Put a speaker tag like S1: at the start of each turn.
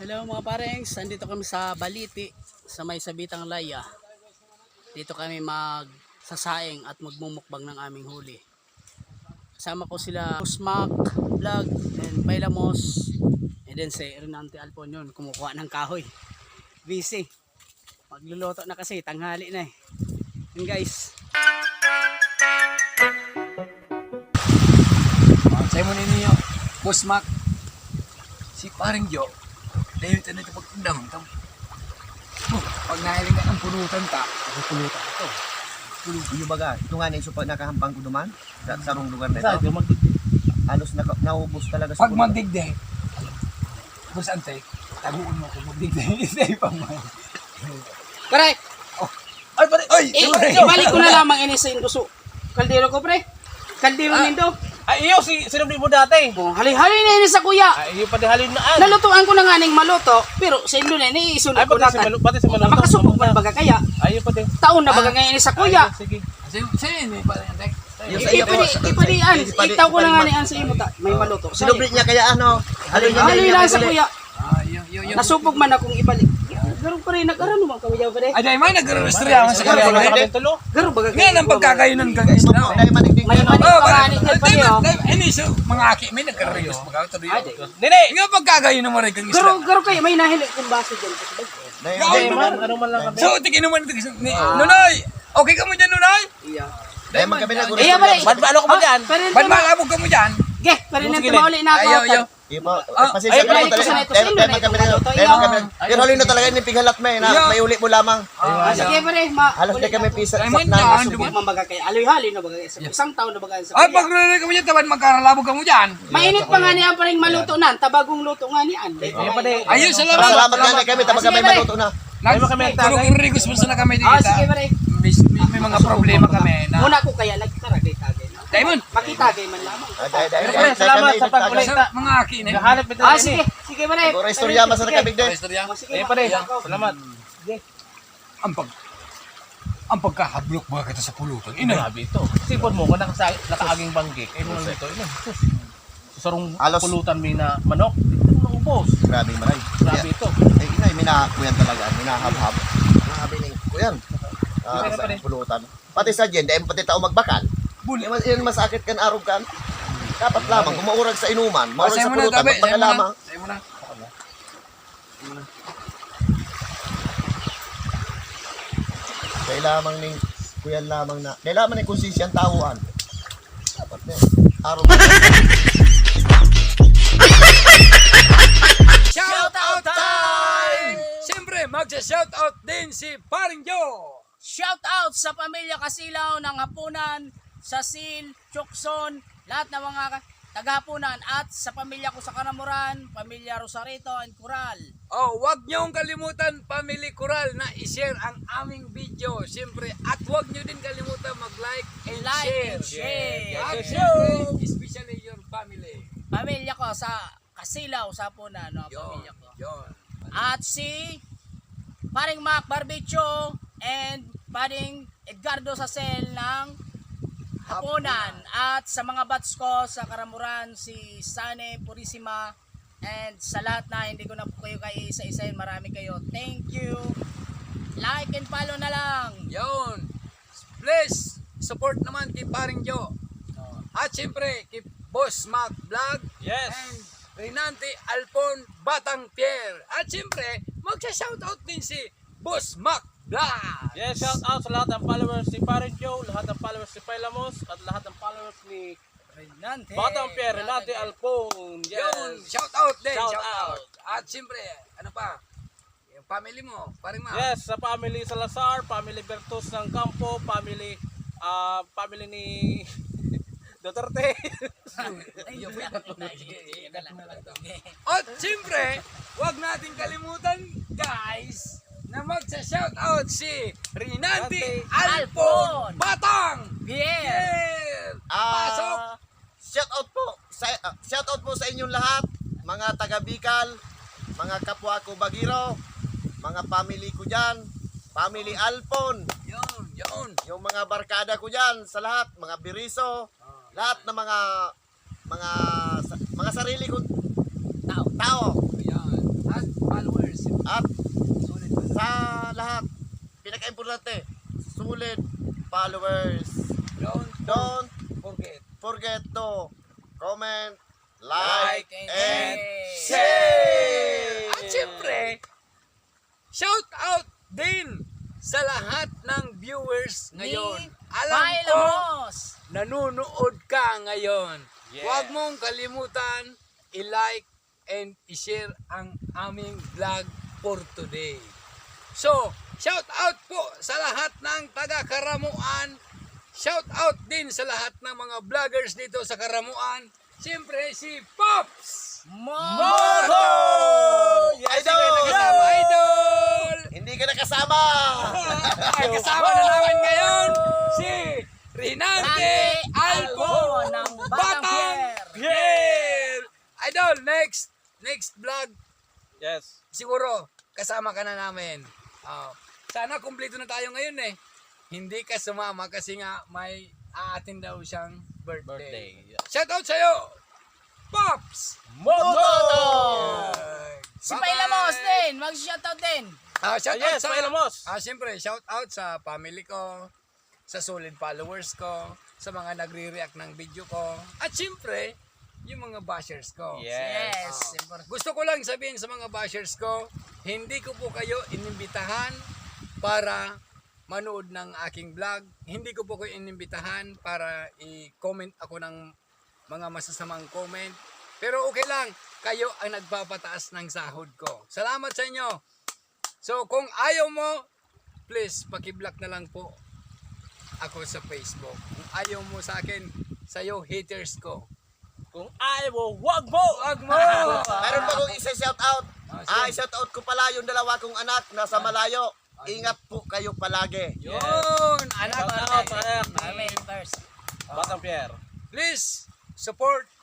S1: Hello mga parengs, andito kami sa Baliti, sa may Sabitang Laya. Dito kami magsasaing at magmumukbang ng aming huli. Kasama ko sila Smack, Vlog, and Bailamos. And then si Renante Alpon yun, kumukuha ng kahoy. Busy. Magluluto na kasi, tanghali na eh. Yun guys.
S2: Sa'yo mo ninyo, Boss Mac, si paring Jo, dahil ito na ito pagtundang ito. Pag nahiling ka ng pulutan ka, pulutan ito.
S3: Yung baga, ito nga na pag nakahampang ko duman, sa sarong lugar na
S1: Saan?
S3: ito, halos naubos talaga sa
S2: Pag magdigde, Boss Ante, taguin mo kung magdigde, hindi pa man.
S1: Correct!
S2: Ay, pare! Ay!
S1: Ibalik ko na lamang ini sa induso. Kaldero ko pre. Kaldero nindo.
S4: Ay, iyo, sinubli mo dati.
S1: Oh, hali-hali na ini sa kuya.
S4: Ay, iyo, pati halin na.
S1: Nalutuan ko na nga ning maluto, pero sa indo na ini isunod
S4: Ay,
S1: ko na.
S4: pati si Maluto.
S1: Makasubok man baga kaya.
S4: Ay, iyo, pati.
S1: Taon na baga ngayon ini sa kuya.
S4: Ay, sige.
S2: Sa'yo yun, paring Ante.
S1: Ipadian, itaw ko na nga niyan sa imo ta. May maluto.
S3: sinublit niya kaya ano,
S1: Hali lang sa kuya.
S2: Yun.
S1: Nasubok man akong ibalik. Garo pa rin nag-arano man kami daw pre.
S2: Ay, dahil may nag-restryaman sa
S4: Kaya
S2: kanila.
S4: kami tulo.
S1: Garo baga
S2: Ngayon ang pagkakayunan ka guys na.
S3: dahil manigdig
S1: May
S3: na.
S1: mani panganit din pa niyo.
S2: Iniso, mga aki, may nagkarayos.
S4: Nene!
S2: Nga pagkakayunan mo rin kang isla.
S1: Garo kayo may nahili kung base diyan.
S4: Ay, man, ano man lang kami.
S2: So, tingin naman ito. Nunay! Okay ka mo dyan, Nunay?
S1: Iya.
S3: Dahil man kami
S1: Iya pare.
S4: Ano ko ba dyan?
S2: Ba't malabog ka mo dyan?
S1: Ge, pero nang
S4: Sige,
S1: mauli na ako.
S2: Ayaw.
S3: Pasensya ka
S1: balik
S3: mo
S1: ko sa
S3: talaga.
S1: neto.
S3: Dahil man kami pero huli na talaga yung pighalat may na may uli mo lamang.
S1: Sige pare,
S3: Halos na kami pisa
S2: Ay,
S3: na
S2: man dyan,
S3: nasubok.
S1: mambaga kay aloy-hali na baga sa isang taon na baga sa
S2: Ay,
S1: kuya.
S2: pag nunay ka mo dyan, taban magkaralabog ka mo dyan.
S1: Mainit pa nga niyan paring maluto nan, tabagong luto nga niyan.
S4: Ay, pati.
S2: Ayun, salamat.
S3: Salamat nga kami tapos kami maluto na.
S4: Ay, mo kami nagtagay.
S2: Kurugurigos mo na kami dito.
S1: Sige pare.
S2: May mga problema kami na.
S1: Muna ko kaya nagtaragay-tagay na.
S2: Diamond,
S1: Makitagay man lamang.
S4: Pero pre, salamat sa pagkulit.
S2: sa mga aki na.
S4: Nahanap ito.
S1: Sige, sige pare.
S3: Siguro istorya mas nakabig din.
S1: Sige,
S4: Ay, pare. Salamat.
S2: Ang pagkahablok ba kita sa pulutan? Ina.
S4: Grabe ito. Sipon mo, kung nakaaging banggik. Ay, mga ito. Sarong
S3: Alos.
S4: pulutan mo na manok. Ito na ubos.
S3: Grabe maray.
S4: Grabe ito.
S3: Ay inay minakuyan talaga, minahab-hab. Grabe ning kuyan. Sa pulutan. Pati sa jen, dahil pati tao magbakal. Yan masakit kan arog kan. Dapat lamang kumaurag sa inuman, maurag sa pulutan, magbakal lamang.
S2: Sa'yo mo na.
S3: Kailangan ning kuyan lamang na. Kailangan ning konsensya ang tahuan. Dapat na arog.
S2: Shout out time! Siyempre, magsa-shout out din si Paring Joe.
S1: Shout out sa pamilya Kasilaw ng Hapunan, Sasil, Chokson, lahat ng mga tagahapunan at sa pamilya ko sa Kanamuran, pamilya Rosarito and Coral.
S2: Oh, wag niyong kalimutan, Family Coral, na i-share ang aming video. Siyempre, at wag niyo din kalimutan mag-like and
S1: Like
S2: share.
S1: and share.
S2: At syempre, especially your family.
S1: Pamilya ko sa Kasilaw sa Hapunan, no, pamilya ko.
S2: Yon.
S1: At si Paring Mac Barbecue and Paring Edgardo Sasel ng Hapunan. At sa mga bats ko sa Karamuran, si Sane Purisima, and sa lahat na hindi ko na po kayo isa-isahin, marami kayo. Thank you. Like and follow na lang.
S2: Yon. Please, support naman kay Paring Joe. At siyempre, kay Boss Mac Vlog.
S4: Yes.
S2: And Renante Alpon Batang Pierre. At siyempre, magsa-shoutout din si Boss Mac Vlog.
S4: Yes, shout out sa lahat ng followers ni Parent Joe, lahat ng followers ni Pailamos, at lahat ng followers ni
S1: Renante.
S4: Batang Pierre, Renate Alpon.
S2: Yun,
S4: Yes.
S2: shoutout din,
S4: Shout
S2: shoutout.
S4: out.
S2: At siyempre, ano pa? Yung family mo, Paring Mac.
S4: Yes, sa family Salazar, family Bertos ng Campo, family ni Duterte.
S2: At siyempre, wag natin kalimutan, guys, na magsa-shoutout si Renante Alpon Batang
S1: Yeah.
S2: Pierre. Pasok!
S3: Shout out po sa inyong lahat, mga taga Bicol, mga kapwa ko Bagiro, mga family ko diyan, family Alpon,
S2: Yun.
S3: yung mga barkada ko diyan sa lahat, mga Biriso, lahat ng mga sarili ko tao.
S2: Yan. At At followers.
S3: At sa lahat, pinaka-importante, sulit followers. Don't forget to comment, like, and share!
S2: At syempre, shout out din sa lahat ng viewers ngayon. Alam ko,
S1: Pailamos!
S2: nanonood ka ngayon.
S4: Yes.
S2: Huwag mong kalimutan i-like and i-share ang aming vlog for today. So, shout out po sa lahat ng taga-Karamuan. Shout out din sa lahat ng mga vloggers dito sa Karamuan. Siyempre si Pops
S1: Moto!
S3: Yes,
S2: Kasama idol.
S3: Hindi ka nakasama!
S2: Ay, kasama na namin ngayon si Rinante Albo
S1: ng
S2: Batang Pierre. Idol, next vlog
S4: Yes.
S2: siguro kasama ka na namin. Sana kumpleto na tayo ngayon eh. Hindi ka sumama kasi nga may aatin daw siyang birthday.
S4: Birthday.
S2: Shout out sa'yo, Pops!
S1: Moto! Si
S2: Bye-bye!
S1: Pailamos din, mag-shoutout din.
S2: Shout out
S4: Yes,
S2: sa
S4: Pailamos.
S2: siyempre, shout out sa family ko, sa solid followers ko, sa mga nagre-react ng video ko, at siyempre, yung mga bashers ko.
S4: Yes.
S2: Gusto ko lang sabihin sa mga bashers ko, hindi ko po kayo inimbitahan para manood ng aking vlog. Hindi ko po kayo inimbitahan para i-comment ako ng mga masasamang comment. Pero okay lang, kayo ang nagpapataas ng sahod ko. Salamat sa inyo. So kung ayaw mo, please paki-block na lang po ako sa Facebook. Kung ayaw mo sa akin, sa'yo haters ko.
S4: Kung ayaw mo, wag mo!
S2: Wag mo!
S3: Meron pa kong isa shout out.
S2: sige.
S3: Shout out ko pala yung dalawa kong anak nasa malayo. Ingat po kayo palagi.
S2: Yun! Anak,
S4: Shout out, anak.
S1: Amen first.
S4: Batang Pierre.
S2: please support